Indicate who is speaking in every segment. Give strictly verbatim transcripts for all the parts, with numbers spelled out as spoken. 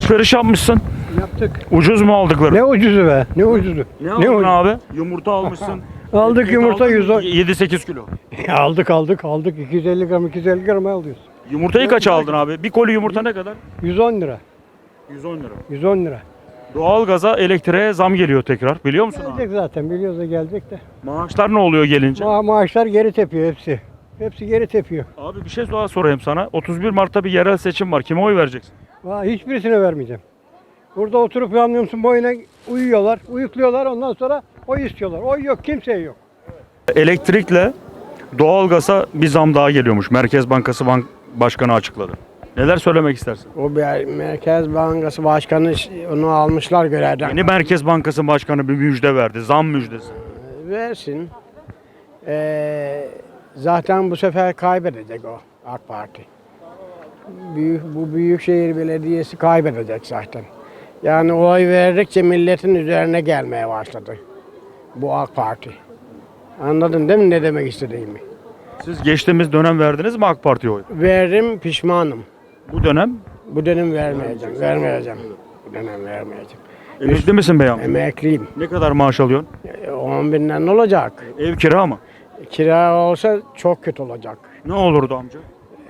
Speaker 1: Alışveriş yapmışsın.
Speaker 2: Yaptık.
Speaker 1: Ucuz mu aldıkları?
Speaker 2: Ne ucuzu be? Ne ucuzu?
Speaker 1: Ne aldın
Speaker 2: ucuzu?
Speaker 1: abi? Yumurta almışsın.
Speaker 2: Aldık
Speaker 1: Et
Speaker 2: yumurta
Speaker 1: aldın mı?
Speaker 2: yüz on.
Speaker 1: yedi sekiz kilo.
Speaker 2: aldık aldık aldık iki yüz elli gram iki yüz elli gram alıyoruz.
Speaker 1: Yumurtayı kaça aldın abi? Bir koli yumurta ne kadar?
Speaker 2: yüz on lira.
Speaker 1: yüz on lira.
Speaker 2: yüz on lira.
Speaker 1: Doğalgaza, elektriğe zam geliyor tekrar. Biliyor musun abi?
Speaker 2: Gelecek zaten biliyoruz da gelecek de.
Speaker 1: Maaşlar ne oluyor gelince?
Speaker 2: Ma maaşlar geri tepiyor hepsi. Hepsi geri tepiyor.
Speaker 1: Abi bir şey daha sorayım sana. otuz bir Mart'ta bir yerel seçim var. Kime oy vereceksin?
Speaker 2: Valla hiçbirisine vermeyeceğim. Burada oturup anlıyor musun boyuna uyuyorlar, uyukluyorlar ondan sonra oy istiyorlar. Oy yok, kimseye yok.
Speaker 1: Elektrikle doğalgaza bir zam daha geliyormuş. Merkez Bankası Bank Başkanı açıkladı. Neler söylemek istersin?
Speaker 3: O bir Merkez Bankası Başkanı onu almışlar görevden.
Speaker 1: Yeni Merkez Bankası Başkanı bir müjde verdi. Zam müjdesi.
Speaker 3: Versin. Ee, zaten bu sefer kaybedecek o AK Parti. Büyük, bu Büyükşehir Belediyesi kaybedecek zaten. Yani oy verdikçe milletin üzerine gelmeye başladı. Bu AK Parti. Anladın değil mi ne demek istediğimi?
Speaker 1: Siz geçtiğimiz dönem verdiniz mi AK Parti'ye oy?
Speaker 3: Verdim pişmanım.
Speaker 1: Bu dönem
Speaker 3: Bu dönem vermeyeceğim. Vermeyeceğim. Bu dönem vermeyeceğim.
Speaker 1: emekli misin bey amca?
Speaker 3: Emekliyim.
Speaker 1: Ne kadar maaş alıyorsun?
Speaker 3: E, on binden ne olacak?
Speaker 1: Ev kira mı?
Speaker 3: Kira olsa çok kötü olacak.
Speaker 1: Ne olurdu amca?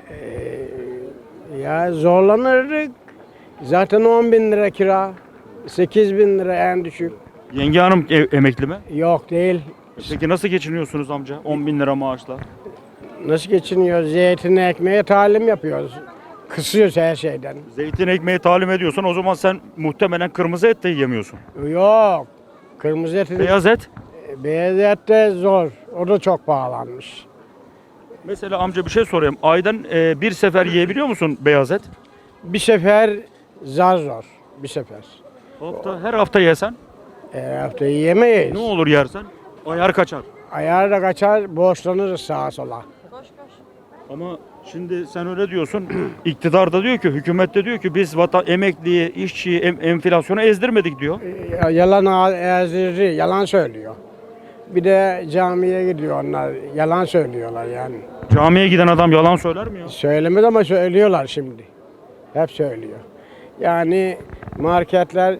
Speaker 3: Ya zorlanırdık. Zaten on bin lira kira. sekiz bin lira en düşük.
Speaker 1: Yenge hanım ev- emekli mi?
Speaker 3: Yok değil.
Speaker 1: Peki nasıl geçiniyorsunuz amca? on bin lira maaşla.
Speaker 3: Nasıl geçiniyoruz? Zeytin ekmeğe talim yapıyoruz. Kısıyoruz her şeyden.
Speaker 1: Zeytin ekmeği talim ediyorsan o zaman sen muhtemelen kırmızı et de yiyemiyorsun.
Speaker 3: Yok. Kırmızı et,
Speaker 1: Beyaz et.
Speaker 3: beyaz et de zor. O da çok pahalanmış.
Speaker 1: Mesela amca bir şey sorayım. Aydan e, bir sefer yiyebiliyor musun beyaz et?
Speaker 3: Bir sefer zar zor. Bir sefer.
Speaker 1: Hafta, her hafta yesen
Speaker 3: Her hafta yiyemeyiz.
Speaker 1: ne olur yersen? Ayar kaçar.
Speaker 3: Ayar da kaçar, borçlanırız sağa sola.
Speaker 1: Ama şimdi sen öyle diyorsun. İktidar da diyor ki, hükümet de diyor ki biz vatan emekliyi, işçiyi, em, enflasyonu ezdirmedik diyor.
Speaker 3: Ya- Yalan ağ- ezdirici, yalan söylüyor. Bir de camiye gidiyor onlar, yalan söylüyorlar yani.
Speaker 1: Camiye giden adam yalan söyler mi ya?
Speaker 3: Söylemez ama söylüyorlar şimdi. Hep söylüyor. Yani marketler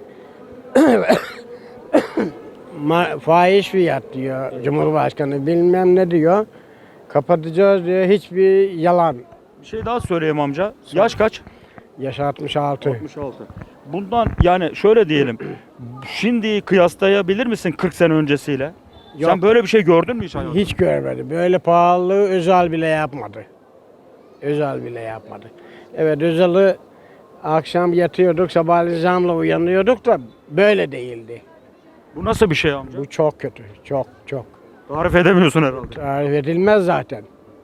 Speaker 3: ma- fahiş fiyat diyor Cumhurbaşkanı, bilmem ne diyor. Kapatacağız diyor, hiçbir yalan.
Speaker 1: Bir şey daha söyleyeyim amca. Yaş kaç?
Speaker 3: Yaş altmış altı.
Speaker 1: altmış altı. Bundan yani şöyle diyelim. Şimdi kıyaslayabilir misin kırk sene öncesiyle? Sen
Speaker 3: Yok.
Speaker 1: böyle bir şey gördün mü hiç hayatında?
Speaker 3: Hiç görmedi. Böyle pahalılığı Özal bile yapmadı. Özal bile yapmadı. Evet, Özal'ı akşam yatıyorduk, sabahleyin zamla uyanıyorduk da böyle değildi.
Speaker 1: Bu nasıl bir şey amca?
Speaker 3: Bu çok kötü. Çok çok.
Speaker 1: Tarif edemiyorsun herhalde.
Speaker 3: Tarif edilmez zaten.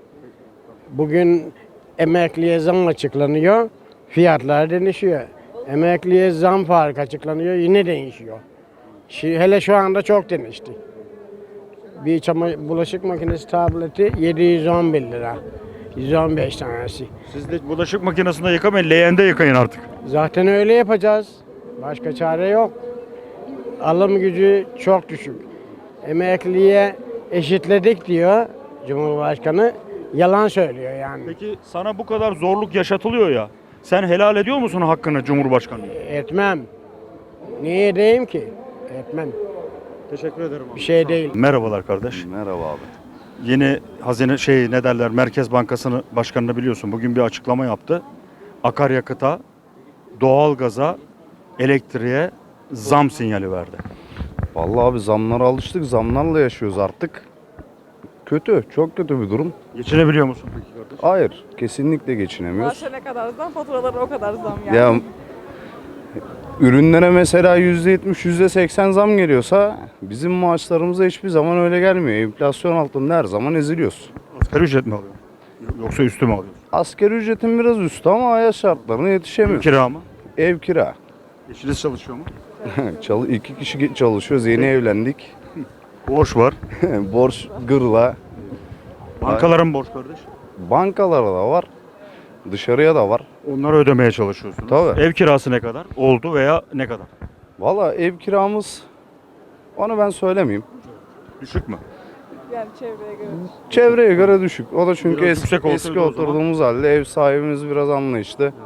Speaker 3: Bugün emekliye zam açıklanıyor. Fiyatlar değişiyor. Emekliye zam farkı açıklanıyor. Yine değişiyor. Şi- Hele şu anda çok değişti. Bir çama- bulaşık makinesi tableti yedi yüz on bir lira. yüz on beş tanesi.
Speaker 1: Siz de bulaşık makinesinde yıkamayın, leğende yıkayın artık.
Speaker 3: Zaten öyle yapacağız. Başka çare yok. Alım gücü çok düşük. Emekliye eşitledik diyor Cumhurbaşkanı. Yalan söylüyor yani.
Speaker 1: Peki sana bu kadar zorluk yaşatılıyor ya. Sen helal ediyor musun hakkını Cumhurbaşkanı?
Speaker 3: Etmem. Niye edeyim ki? Etmem.
Speaker 1: Teşekkür ederim abi.
Speaker 3: Bir şey değil.
Speaker 1: Merhabalar kardeş.
Speaker 4: Merhaba abi.
Speaker 1: Yeni hazine şey ne derler Merkez Bankası'nı başkanını biliyorsun. Bugün bir açıklama yaptı. Akaryakıta, doğalgaza, elektriğe zam sinyali verdi.
Speaker 4: Vallahi abi zamlara alıştık. Zamlarla yaşıyoruz artık. Kötü. Çok kötü bir durum.
Speaker 1: Geçinebiliyor musun peki kardeş?
Speaker 4: Hayır. Kesinlikle geçinemiyoruz.
Speaker 5: Maaşa ne kadar zam, faturalara o kadar zam yani.
Speaker 4: Ya ürünlere mesela yüzde yetmiş, yüzde seksen zam geliyorsa bizim maaşlarımıza hiçbir zaman öyle gelmiyor. Enflasyon altında her zaman eziliyoruz.
Speaker 1: Asgari ücret mi alıyorsun? Yoksa üstü mü alıyorsun?
Speaker 4: Asgari ücretin biraz üstü ama hayat şartlarına yetişemiyoruz.
Speaker 1: Kira mı?
Speaker 4: Ev kira.
Speaker 1: Eşiniz çalışıyor mu?
Speaker 4: Çalı, iki kişi çalışıyoruz. Yeni evlendik.
Speaker 1: Borç var.
Speaker 4: Borç gırla.
Speaker 1: Bankaların borç kardeş.
Speaker 4: Bankalara da var. Dışarıya da var.
Speaker 1: Onları ödemeye çalışıyorsunuz.
Speaker 4: Tabii.
Speaker 1: Ev kirası ne kadar? Oldu veya ne kadar?
Speaker 4: Valla ev kiramız, onu ben söylemeyeyim.
Speaker 1: Düşük mü?
Speaker 5: Yani çevreye göre.
Speaker 4: Çevreye göre düşük. O da çünkü
Speaker 1: Biraz
Speaker 4: eski,
Speaker 1: yüksek olsaydı
Speaker 4: eski
Speaker 1: o zaman.
Speaker 4: oturduğumuz halde ev sahibimiz biraz anlayışlı.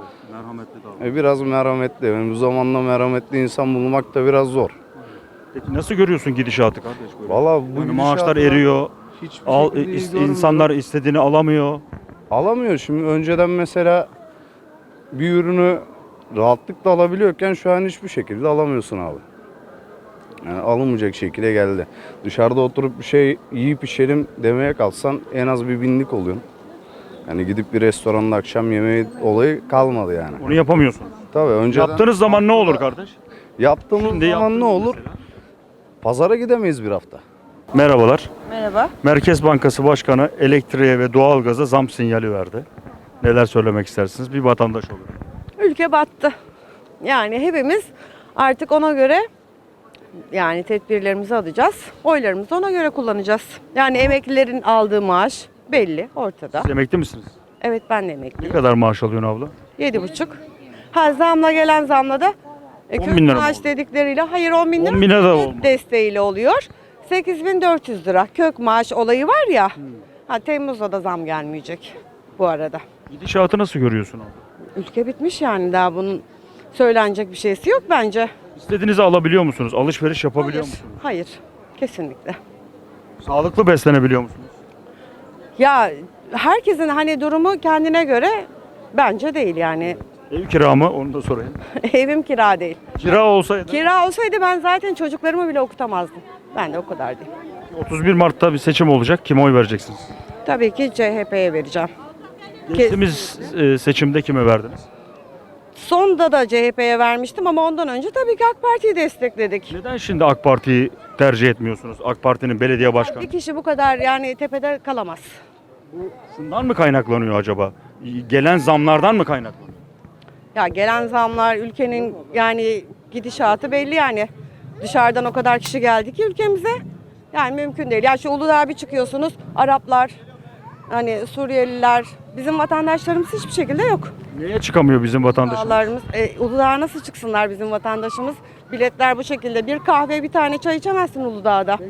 Speaker 1: Merhametli davran.
Speaker 4: E, biraz merhametli. Yani bu zamanda merhametli insan bulmak da biraz zor.
Speaker 1: Peki nasıl görüyorsun gidişatı kardeş böyle?
Speaker 4: Valla bu
Speaker 1: Yani maaşlar
Speaker 4: gidişatla
Speaker 1: eriyor.
Speaker 4: hiçbir
Speaker 1: Al,
Speaker 4: şekilde iyi
Speaker 1: is-
Speaker 4: görünmüyor.
Speaker 1: insanlar istediğini alamıyor.
Speaker 4: Alamıyor. Şimdi önceden mesela bir ürünü rahatlıkla alabiliyorken şu an hiçbir şekilde alamıyorsun abi. Yani alınmayacak şekilde geldi. Dışarıda oturup bir şey yiyip içelim demeye kalksan en az bir binlik oluyorsun. Yani gidip bir restoranda akşam yemeği olayı kalmadı yani.
Speaker 1: Onu yapamıyorsunuz.
Speaker 4: Tabii önceden
Speaker 1: Yaptığınız zaman ne olur kardeş?
Speaker 4: yaptığımız
Speaker 1: Şimdi
Speaker 4: zaman
Speaker 1: yaptınız
Speaker 4: ne olur?
Speaker 1: mesela.
Speaker 4: Pazara gidemeyiz bir hafta.
Speaker 1: Merhabalar.
Speaker 5: Merhaba.
Speaker 1: Merkez Bankası Başkanı elektriğe ve doğalgaza zam sinyali verdi. Neler söylemek istersiniz bir vatandaş olarak?
Speaker 6: Ülke battı. Yani hepimiz artık ona göre yani tedbirlerimizi alacağız. Oylarımızı ona göre kullanacağız. Yani emeklilerin aldığı maaş belli ortada.
Speaker 1: Siz emekli misiniz?
Speaker 6: Evet ben de
Speaker 1: Ne
Speaker 6: emekliyim.
Speaker 1: kadar maaş alıyorsun abla?
Speaker 6: Yedi buçuk. Ha zamla gelen zamla da e,
Speaker 1: on
Speaker 6: kök
Speaker 1: bin lira mı
Speaker 6: maaş
Speaker 1: oldu?
Speaker 6: dedikleriyle hayır on bin lira
Speaker 1: on bine de
Speaker 6: devlet
Speaker 1: olmaz.
Speaker 6: desteğiyle oluyor. sekiz bin dört yüz lira kök maaş olayı var ya. Ha, Temmuz'da da zam gelmeyecek bu arada.
Speaker 1: Gidişatı nasıl görüyorsun abla?
Speaker 6: Ülke bitmiş yani daha bunun söylenecek bir şeysi yok bence.
Speaker 1: İstediğinizi alabiliyor musunuz? Alışveriş yapabiliyor
Speaker 6: Hayır,
Speaker 1: musunuz?
Speaker 6: hayır. Kesinlikle.
Speaker 1: Sağlıklı beslenebiliyor musunuz?
Speaker 6: Ya herkesin hani durumu kendine göre bence değil yani.
Speaker 1: Ev kira mı? Onu da sorayım.
Speaker 6: Evim kira değil.
Speaker 1: Kira olsaydı
Speaker 6: Kira olsaydı ben zaten çocuklarımı bile okutamazdım. Ben de o kadar değil.
Speaker 1: otuz bir Mart'ta bir seçim olacak. Kime oy vereceksiniz?
Speaker 6: Tabii ki C H P'ye vereceğim.
Speaker 1: Geçtiğimiz e, seçimde kime verdiniz?
Speaker 6: Sonda da C H P'ye vermiştim ama ondan önce tabii ki AK Parti'yi destekledik.
Speaker 1: Neden şimdi AK Parti'yi tercih etmiyorsunuz? AK Parti'nin belediye başkanı.
Speaker 6: Bir kişi bu kadar yani tepede kalamaz.
Speaker 1: Şundan mı kaynaklanıyor acaba? Gelen zamlardan mı kaynaklanıyor?
Speaker 6: Ya gelen zamlar ülkenin yani gidişatı belli yani. Dışarıdan o kadar kişi geldi ki ülkemize. Yani mümkün değil. Ya şu Uludağ'a bir çıkıyorsunuz. Araplar, hani Suriyeliler, bizim vatandaşlarımız hiçbir şekilde yok.
Speaker 1: Niye çıkamıyor bizim vatandaşımız?
Speaker 6: Dağlarımız, e, Uludağ'a nasıl çıksınlar bizim vatandaşımız? Biletler bu şekilde. Bir kahve, bir tane çay içemezsin Uludağ'da.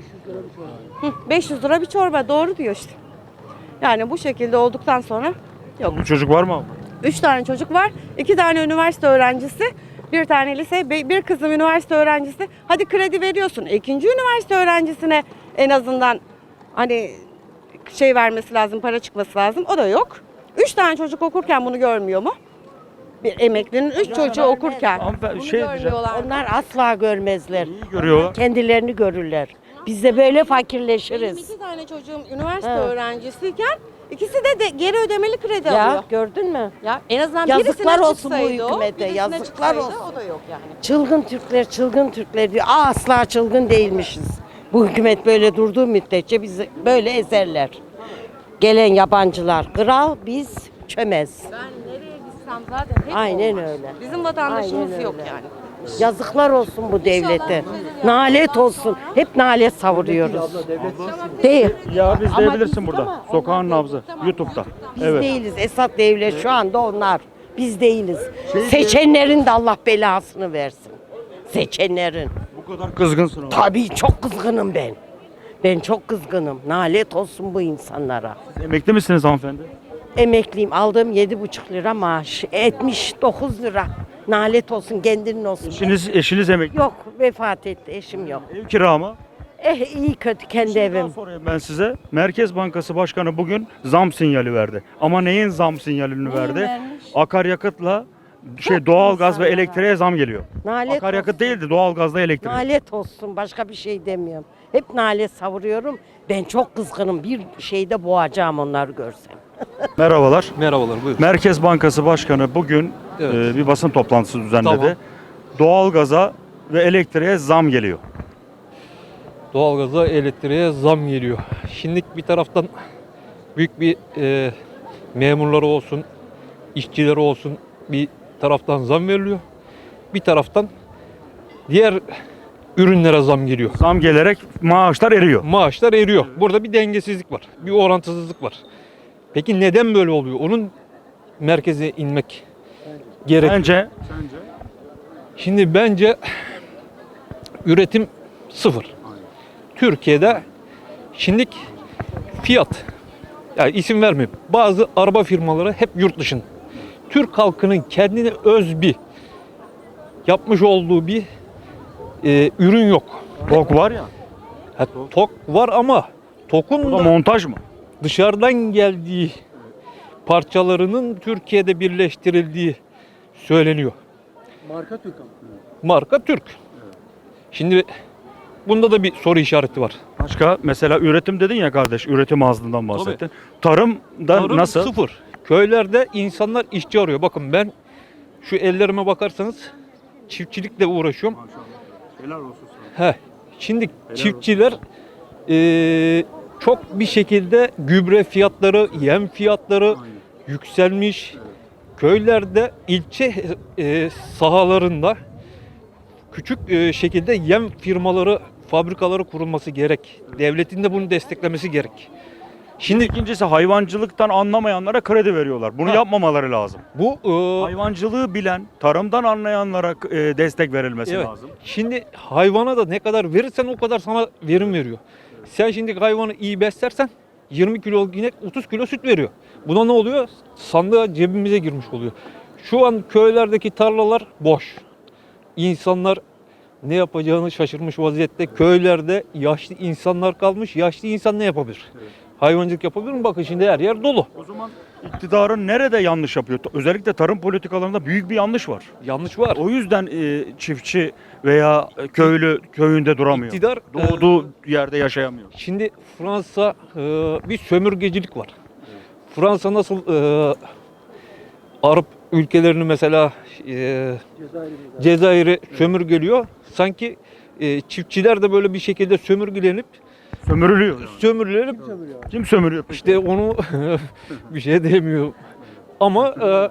Speaker 6: beş yüz lira bir çorba. Doğru diyor işte. Yani bu şekilde olduktan sonra yok.
Speaker 1: Bu çocuk var mı abla?
Speaker 6: Üç tane çocuk var. İki tane üniversite öğrencisi. Bir tane lise, be- bir kızım üniversite öğrencisi. Hadi kredi veriyorsun. İkinci üniversite öğrencisine en azından hani şey vermesi lazım, para çıkması lazım. O da yok. Üç tane çocuk okurken bunu görmüyor mu? Bir emeklinin üç çocuğu okurken.
Speaker 1: Hanımefendi,
Speaker 6: Bunu
Speaker 1: şey diyeceğim.
Speaker 6: görmüyorlar.
Speaker 7: Onlar asla görmezler.
Speaker 1: İyi görüyorlar.
Speaker 7: Kendilerini görürler. Biz de böyle
Speaker 6: Benim
Speaker 7: fakirleşiriz.
Speaker 6: iki tane çocuğum üniversite
Speaker 7: Evet.
Speaker 6: öğrencisiyken ikisi de, de geri ödemeli kredi
Speaker 7: Ya
Speaker 6: alıyor.
Speaker 7: gördün mü?
Speaker 6: Ya en azından
Speaker 7: Yazıklar
Speaker 6: birisine
Speaker 7: olsun bu
Speaker 6: çıksaydı o,
Speaker 7: hükümete,
Speaker 6: birisine
Speaker 7: yazıklar
Speaker 6: çıksaydı
Speaker 7: olsun.
Speaker 6: O da yok yani.
Speaker 7: Çılgın Türkler, çılgın Türkler diyor. Aa, asla çılgın değilmişiz. Bu hükümet böyle durduğu müddetçe bizi böyle ezerler. Gelen yabancılar kral, biz çömez.
Speaker 6: Ben nereye gitsem zaten hep
Speaker 7: Aynen
Speaker 6: olmaz.
Speaker 7: öyle.
Speaker 6: Bizim vatandaşımız
Speaker 7: Aynen
Speaker 6: yok
Speaker 7: öyle.
Speaker 6: yani.
Speaker 7: Yazıklar olsun bu devlete. Nalet olsun. Hep nalet savuruyoruz. Değil.
Speaker 1: Ya biz
Speaker 7: Ama
Speaker 1: diyebilirsin
Speaker 7: biz
Speaker 1: burada.
Speaker 7: ama
Speaker 1: Sokağın
Speaker 7: onlar
Speaker 1: nabzı. YouTube'da.
Speaker 7: Biz
Speaker 1: Evet.
Speaker 7: değiliz. Esat devlet şu anda onlar. Biz değiliz.
Speaker 1: Şey-
Speaker 7: Seçenlerin de Allah belasını versin. Seçenlerin.
Speaker 1: Bu kadar kızgınsın abi.
Speaker 7: Tabii çok kızgınım ben. Ben çok kızgınım. Nalet olsun bu insanlara.
Speaker 1: Emekli misiniz hanımefendi?
Speaker 7: Emekliyim. Aldığım yedi buçuk lira maaş. yetmiş dokuz lira. Nalet olsun, kendinin olsun.
Speaker 1: Eşiniz, eşiniz emekli.
Speaker 7: Yok, vefat etti. Eşim yok.
Speaker 1: Ev kira mı?
Speaker 7: Eh iyi kötü kendi
Speaker 1: Şimdi daha
Speaker 7: evim.
Speaker 1: sorayım ben size. Merkez Bankası Başkanı bugün zam sinyali verdi. Ama neyin zam sinyalini verdi?
Speaker 7: vermiş?
Speaker 1: Akaryakıtla şey doğalgaz ve
Speaker 7: insanlara.
Speaker 1: elektriğe zam geliyor.
Speaker 7: Nalet
Speaker 1: Akaryakıt
Speaker 7: olsun.
Speaker 1: değildi, doğalgazla elektrik.
Speaker 7: Nalet olsun, başka bir şey demiyorum. Hep nalet savuruyorum. Ben çok kızgınım. Bir şeyde boğacağım onları görsem.
Speaker 1: Merhabalar.
Speaker 8: Merhabalar, buyurun.
Speaker 1: Merkez Bankası Başkanı bugün
Speaker 8: Evet.
Speaker 1: e, bir basın toplantısı düzenledi.
Speaker 8: Tamam.
Speaker 1: Doğalgaza ve elektriğe zam geliyor.
Speaker 8: Doğalgaza, elektriğe zam geliyor. Şimdi bir taraftan büyük bir e, memurları olsun, işçileri olsun bir taraftan zam veriliyor. Bir taraftan diğer ürünlere zam geliyor.
Speaker 1: Zam gelerek maaşlar eriyor.
Speaker 8: Maaşlar eriyor. Burada bir dengesizlik var, bir orantısızlık var. Peki neden böyle oluyor? Onun merkeze inmek gerekiyor.
Speaker 1: Bence
Speaker 8: Şimdi bence üretim sıfır. Türkiye'de şimdilik fiyat, yani isim vermeyeyim, bazı araba firmaları hep yurt dışın. Türk halkının kendine öz bir yapmış olduğu bir e, ürün yok.
Speaker 1: Tok var ya.
Speaker 8: Ha, tok var ama tokun
Speaker 1: Bu da
Speaker 8: da
Speaker 1: montaj mı?
Speaker 8: dışarıdan geldiği parçalarının Türkiye'de birleştirildiği söyleniyor.
Speaker 2: Marka Türk ama.
Speaker 8: Marka Türk. Şimdi bunda da bir soru işareti var.
Speaker 1: Başka mesela üretim dedin ya kardeş, üretim azlığından bahsettin. Tarımda
Speaker 8: Tarım
Speaker 1: nasıl?
Speaker 8: sıfır. Köylerde insanlar işçi arıyor. Bakın ben şu ellerime bakarsanız çiftçilikle uğraşıyorum.
Speaker 1: Helal olsun sana.
Speaker 8: He. Şimdi çiftçiler eee, çok bir şekilde gübre fiyatları, yem fiyatları yükselmiş. Köylerde ilçe eee, sahalarında küçük eee, şekilde yem firmaları, fabrikaları kurulması gerek. Devletin de bunu desteklemesi gerek.
Speaker 1: Şimdi ikincisi hayvancılıktan anlamayanlara kredi veriyorlar. Bunu
Speaker 8: Ha.
Speaker 1: yapmamaları lazım.
Speaker 8: Bu eee,
Speaker 1: Hayvancılığı bilen, tarımdan anlayanlara e, destek verilmesi
Speaker 8: evet.
Speaker 1: lazım.
Speaker 8: Şimdi hayvana da ne kadar verirsen o kadar sana verim veriyor. Sen şimdi hayvanı iyi beslersen yirmi kilo inek otuz kilo süt veriyor. Buna ne oluyor? Sandığa cebimize girmiş oluyor. Şu an köylerdeki tarlalar boş. İnsanlar ne yapacağını şaşırmış vaziyette. Köylerde yaşlı insanlar kalmış. Yaşlı insan ne yapabilir? Hayvancılık yapabilir mi? Bakın şimdi her yer dolu.
Speaker 1: O zaman iktidarın nerede yanlış yapıyor? Özellikle tarım politikalarında büyük bir yanlış var.
Speaker 8: Yanlış var.
Speaker 1: O yüzden e, çiftçi veya köylü köyünde duramıyor.
Speaker 8: İktidar
Speaker 1: Doğduğu yerde yaşayamıyor.
Speaker 8: Şimdi Fransa e, bir sömürgecilik var. Fransa nasıl e, Arap ülkelerini mesela e, Cezayir'i sömürgeliyor. Sanki e, çiftçiler de böyle bir şekilde sömürgelenip
Speaker 1: Sömürülüyor. Yani.
Speaker 8: sömürülenip
Speaker 1: Kim sömürüyor peki?
Speaker 8: işte onu bir şey demiyor. Ama e,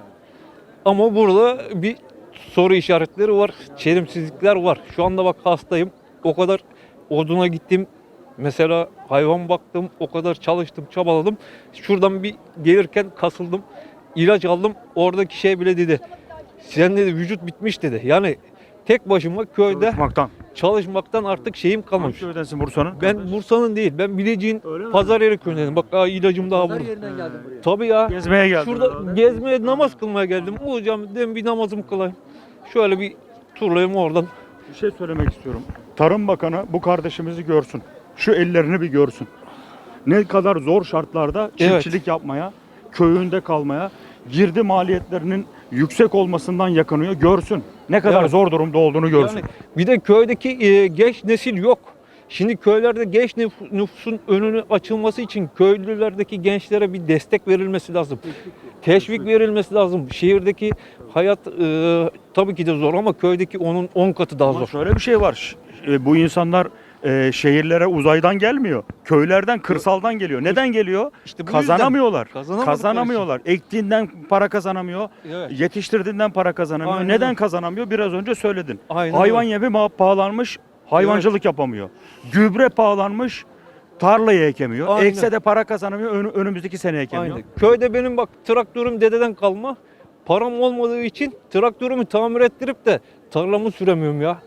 Speaker 8: ama burada bir soru işaretleri var. Çelimsizlikler var. Şu anda bak hastayım. O kadar oduna gittim. Mesela hayvan baktım. O kadar çalıştım, çabaladım. Şuradan bir gelirken kasıldım. İlaç aldım. Oradaki şey bile dedi. Sen dedi vücut bitmiş dedi. Yani tek başıma köyde
Speaker 1: Çalışmaktan.
Speaker 8: çalışmaktan artık şeyim
Speaker 1: Hangi
Speaker 8: kalmamış.
Speaker 1: köydensin Bursa'nın?
Speaker 8: Ben Bursa'nın değil. Ben Bilecik'in
Speaker 1: Öyle mi?
Speaker 8: Pazaryeri köyündenim. Bak aa, ilacım daha burada.
Speaker 2: Yerinden geldim buraya.
Speaker 8: Tabii ya.
Speaker 1: Gezmeye geldin
Speaker 8: Şurada
Speaker 1: herhalde.
Speaker 8: gezmeye, namaz kılmaya geldim. Hocam dedim bir namazımı kılayım. Şöyle bir turlayayım oradan.
Speaker 1: Bir şey söylemek istiyorum. Tarım Bakanı bu kardeşimizi görsün. Şu ellerini bir görsün. Ne kadar zor şartlarda çiftçilik yapmaya, köyünde kalmaya, girdi maliyetlerinin yüksek olmasından yakınıyor. Görsün. Ne kadar
Speaker 8: Evet.
Speaker 1: zor durumda olduğunu görsün.
Speaker 8: Yani bir de köydeki e, genç nesil yok. Şimdi köylerde genç nüf- nüfusun önünü açılması için köylülerdeki gençlere bir destek verilmesi lazım. Teşvik verilmesi lazım. Şehirdeki hayat e, tabii ki de zor ama köydeki onun on katı daha
Speaker 1: Ama
Speaker 8: zor.
Speaker 1: şöyle bir şey var. Ş- e, Bu insanlar e, şehirlere uzaydan gelmiyor. Köylerden, kırsaldan geliyor. Neden geliyor?
Speaker 8: İşte bu yüzden
Speaker 1: Kazanamıyorlar.
Speaker 8: kazanamadıkları
Speaker 1: Kazanamıyorlar. Ektiğinden para kazanamıyor.
Speaker 8: Evet.
Speaker 1: Yetiştirdiğinden para kazanamıyor.
Speaker 8: Aynen
Speaker 1: Neden
Speaker 8: öyle.
Speaker 1: kazanamıyor? Biraz önce söyledin.
Speaker 8: Aynen
Speaker 1: Hayvan
Speaker 8: öyle.
Speaker 1: yemi ma- pahalanmış, hayvancılık yapamıyor. Gübre pahalanmış, tarlayı ekemiyor.
Speaker 8: Aynen.
Speaker 1: Ekse de para kazanamıyor, ön- önümüzdeki sene ekemiyor.
Speaker 8: Aynen. Köyde benim bak traktörüm dededen kalma. Param olmadığı için traktörümü tamir ettirip de tarlamı süremiyorum ya.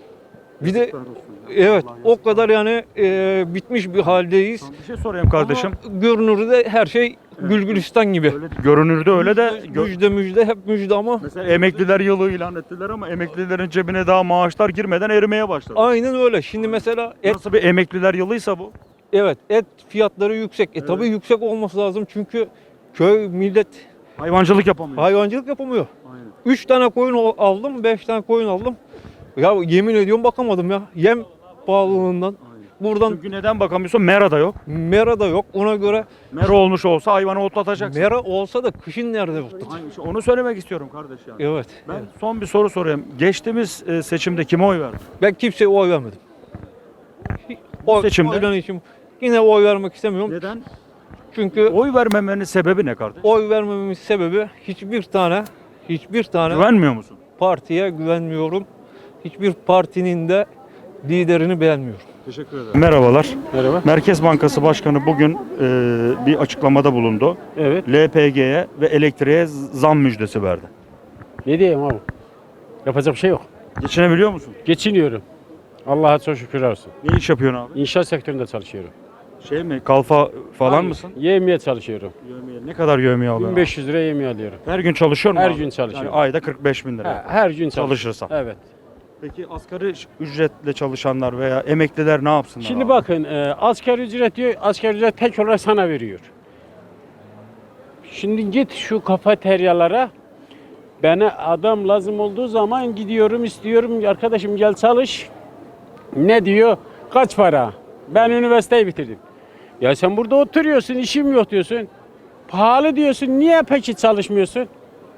Speaker 8: Bir de evet o kadar yani e, bitmiş bir haldeyiz.
Speaker 1: Bir şey sorayım kardeşim.
Speaker 8: Ama görünürde her şey Gülgülistan gibi.
Speaker 1: Öyle, görünürde öyle de gö-
Speaker 8: Müjde müjde hep müjde ama
Speaker 1: mesela emekliler yılı ilan ettiler ama emeklilerin cebine daha maaşlar girmeden erimeye başladı.
Speaker 8: aynen öyle. Şimdi mesela et
Speaker 1: Nasıl bir emekliler yılıysa bu?
Speaker 8: evet et fiyatları yüksek. E tabii yüksek olması lazım çünkü köy millet
Speaker 1: Hayvancılık yapamıyor.
Speaker 8: hayvancılık yapamıyor.
Speaker 1: Aynen.
Speaker 8: Üç tane koyun al- aldım, beş tane koyun aldım. Ya yemin ediyorum bakamadım ya. Yem pahalılığından. Buradan
Speaker 1: Çünkü neden bakamıyorsun? Mera da yok.
Speaker 8: mera da yok. Ona göre
Speaker 1: Mera olmuş olsa hayvanı otlatacaksın.
Speaker 8: mera olsa da kışın nerede otlatacak?
Speaker 1: Aynı şey. Onu söylemek istiyorum kardeş yani.
Speaker 8: Evet.
Speaker 1: Ben
Speaker 8: evet.
Speaker 1: son bir soru sorayım. Geçtiğimiz e, seçimde kime oy verdin?
Speaker 8: Ben kimseye oy vermedim. Oy,
Speaker 1: seçimde?
Speaker 8: oydan için yine oy vermek istemiyorum.
Speaker 1: Neden?
Speaker 8: Çünkü
Speaker 1: Oy vermemenin sebebi ne kardeş?
Speaker 8: oy vermememin sebebi hiçbir tane hiçbir tane
Speaker 1: Güvenmiyor musun?
Speaker 8: partiye güvenmiyorum. Hiçbir partinin de liderini beğenmiyorum.
Speaker 1: Teşekkür ederim. Merhabalar.
Speaker 2: Merhaba.
Speaker 1: Merkez Bankası Başkanı bugün e, bir açıklamada bulundu.
Speaker 2: Evet.
Speaker 1: L P G'ye ve elektriğe zam müjdesi verdi.
Speaker 2: Ne diyeyim abi? Yapacak bir şey yok.
Speaker 1: Geçinebiliyor musun?
Speaker 2: Geçiniyorum. Allah'a çok şükür olsun.
Speaker 1: Ne iş yapıyorsun abi?
Speaker 2: İnşaat sektöründe çalışıyorum.
Speaker 1: Şey mi? Kalfa falan mısın?
Speaker 9: Yemeye çalışıyorum.
Speaker 1: Yövmiye. Ne kadar yövmiye alıyorsun?
Speaker 9: bin beş yüz lira yemeye alıyorum.
Speaker 1: Her gün çalışıyor musun?
Speaker 9: Her
Speaker 1: abi?
Speaker 9: gün çalışıyorum.
Speaker 1: Yani ayda kırk beş bin lira.
Speaker 9: Ha, her gün çalışıyorum.
Speaker 1: Çalışırsam.
Speaker 9: Evet.
Speaker 1: Peki asgari ücretle çalışanlar veya emekliler ne yapsınlar?
Speaker 9: Şimdi
Speaker 1: abi?
Speaker 9: bakın e, asgari ücret diyor, asgari ücret tek olarak sana veriyor. Şimdi git şu kafeteryalara, bana adam lazım olduğu zaman gidiyorum istiyorum arkadaşım gel çalış. Ne diyor? Kaç para? Ben üniversiteyi bitirdim. Ya sen burada oturuyorsun, işim yok diyorsun. Pahalı diyorsun, niye peki çalışmıyorsun?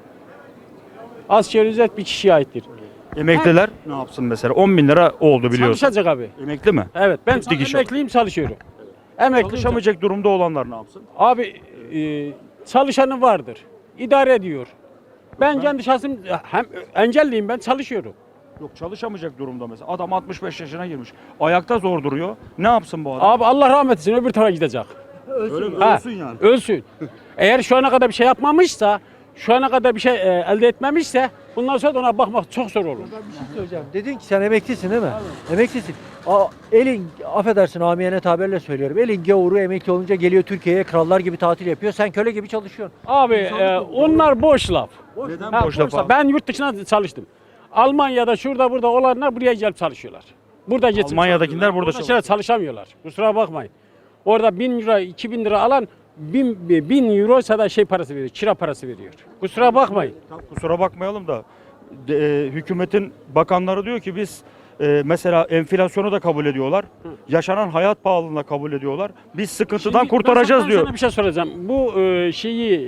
Speaker 9: Asgari ücret bir kişiye aittir.
Speaker 1: Emekliler ne yapsın mesela? on bin lira oldu biliyorsun.
Speaker 9: Çalışacak abi.
Speaker 1: Emekli mi?
Speaker 9: Evet ben
Speaker 1: Dik iş.
Speaker 9: emekliyim çalışıyorum. Emekliyim.
Speaker 1: Çalışamayacak durumda olanlar ne yapsın?
Speaker 9: Abi e, çalışanı vardır. İdare ediyor. Ben kendi şahsım hem engelliyim ben çalışıyorum.
Speaker 1: Yok çalışamayacak durumda mesela. Adam altmış beş yaşına girmiş. Ayakta zor duruyor. Ne yapsın bu adam?
Speaker 9: Abi Allah rahmet etsin öbür tarafa gidecek.
Speaker 1: Öyle mi?
Speaker 9: Ha,
Speaker 1: Ölsün yani.
Speaker 9: Ölsün. Eğer şu ana kadar bir şey yapmamışsa, şu ana kadar bir şey e, elde etmemişse bundan sonra da ona bakmak çok zor olur.
Speaker 10: Bir şey söyleyeceğim. Dedin ki sen emeklisin değil mi? Emeklisin. A, elin, affedersin amiyane tabirle söylüyorum. Elin gavuru emekli olunca geliyor Türkiye'ye krallar gibi tatil yapıyor. Sen köle gibi çalışıyorsun.
Speaker 9: Abi e, onlar boş laf.
Speaker 1: Neden
Speaker 9: Ha,
Speaker 1: boş laf abi?
Speaker 9: Ben yurt dışına çalıştım. Almanya'da şurada burada olanlar buraya gelip çalışıyorlar. Burada geçip
Speaker 1: Almanya'dakiler
Speaker 9: çalışıyorlar.
Speaker 1: burada
Speaker 9: Orada şeyler çalışamıyorlar. Kusura bakmayın. Orada bin lira, iki bin lira alan bin, bin euroysa da şey parası veriyor, kira parası veriyor. Kusura bakmayın.
Speaker 1: Kusura bakmayalım da de, e, hükümetin bakanları diyor ki biz e, mesela enflasyonu da kabul ediyorlar. Yaşanan hayat pahalılığını da kabul ediyorlar. Biz sıkıntıdan
Speaker 9: Şimdi
Speaker 1: kurtaracağız
Speaker 9: ben
Speaker 1: diyor.
Speaker 9: sana bir şey soracağım. Bu e, şeyi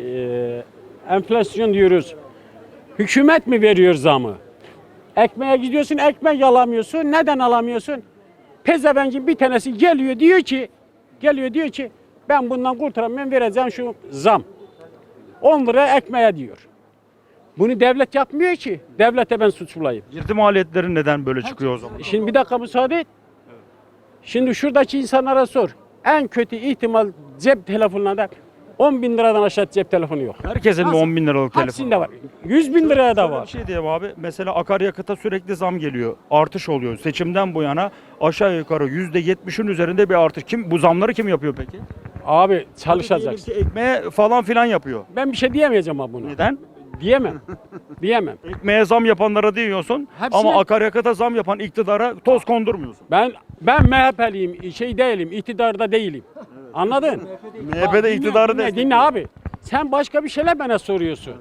Speaker 9: e, enflasyon diyoruz. Hükümet mi veriyor zamı? Ekmeğe gidiyorsun, ekmek alamıyorsun. Neden alamıyorsun? Pezevengin bir tanesi geliyor diyor ki, geliyor diyor ki ben bundan kurtaramıyorum vereceğim şu zam. on lira ekmeğe diyor. Bunu devlet yapmıyor ki. Devlete ben suç bulayım.
Speaker 1: Girdi maliyetleri neden böyle çıkıyor o zaman?
Speaker 9: Şimdi bir dakika müsaade et. Şimdi şuradaki insanlara sor. En kötü ihtimal cep telefonlarında on bin liradan aşağı cep telefonu yok.
Speaker 1: Herkesin mi
Speaker 9: Nasıl?
Speaker 1: on bin liralık telefonu?
Speaker 9: Hepsinde var. yüz bin liraya da
Speaker 1: Şöyle
Speaker 9: var.
Speaker 1: Bir şey diyeyim abi. Mesela akaryakıta sürekli zam geliyor. Artış oluyor. Seçimden bu yana aşağı yukarı yüzde yetmişin üzerinde bir artış. Kim bu zamları kim yapıyor peki?
Speaker 9: Abi çalışacaksın.
Speaker 1: Diyelim ki ekmeğe falan filan yapıyor.
Speaker 9: Ben bir şey diyemeyeceğim abi buna.
Speaker 1: Neden?
Speaker 9: Diyemem. Diyemem.
Speaker 1: Ekmeğe zam yapanlara diyorsun
Speaker 9: Hepsine-
Speaker 1: ama akaryakıta zam yapan iktidara toz kondurmuyorsun.
Speaker 9: Ben ben M H P'liyim, şey değilim, iktidarda değilim. Anladın?
Speaker 1: M H P'de iktidarı
Speaker 9: dinle, dinle,
Speaker 1: destekliyor.
Speaker 9: dinle abi. Sen başka bir şeyler bana soruyorsun.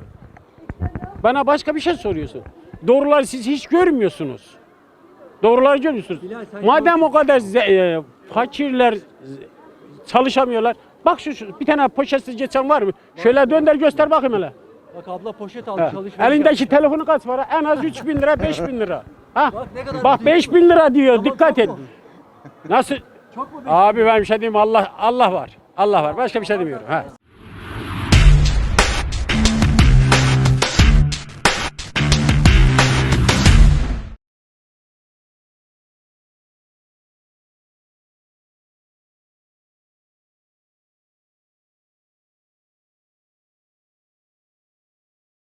Speaker 9: Bana başka bir şey soruyorsun. Doğruları siz hiç görmüyorsunuz. Doğruları görüyorsunuz. Madem o kadar ze- e, fakirler z- çalışamıyorlar. Bak şu, şu bir tane poşetsiz geçen var mı? Şöyle dönder göster bakayım hele.
Speaker 10: Bak abla poşet
Speaker 9: Ha,
Speaker 10: almış alışveriş
Speaker 9: elindeki
Speaker 10: yapmış.
Speaker 9: telefonu kaç para? En az üç bin lira, beş bin lira. Ha?
Speaker 10: Bak ne kadar
Speaker 9: Bak
Speaker 10: büyük.
Speaker 9: beş bin lira diyor.
Speaker 10: Tamam,
Speaker 9: Dikkat
Speaker 10: çok
Speaker 9: et.
Speaker 10: mu?
Speaker 9: Nasıl?
Speaker 10: Çok mu?
Speaker 9: Abi ben bir şey diyeyim Allah Allah var. Allah var. Başka bir şey demiyorum. Ha.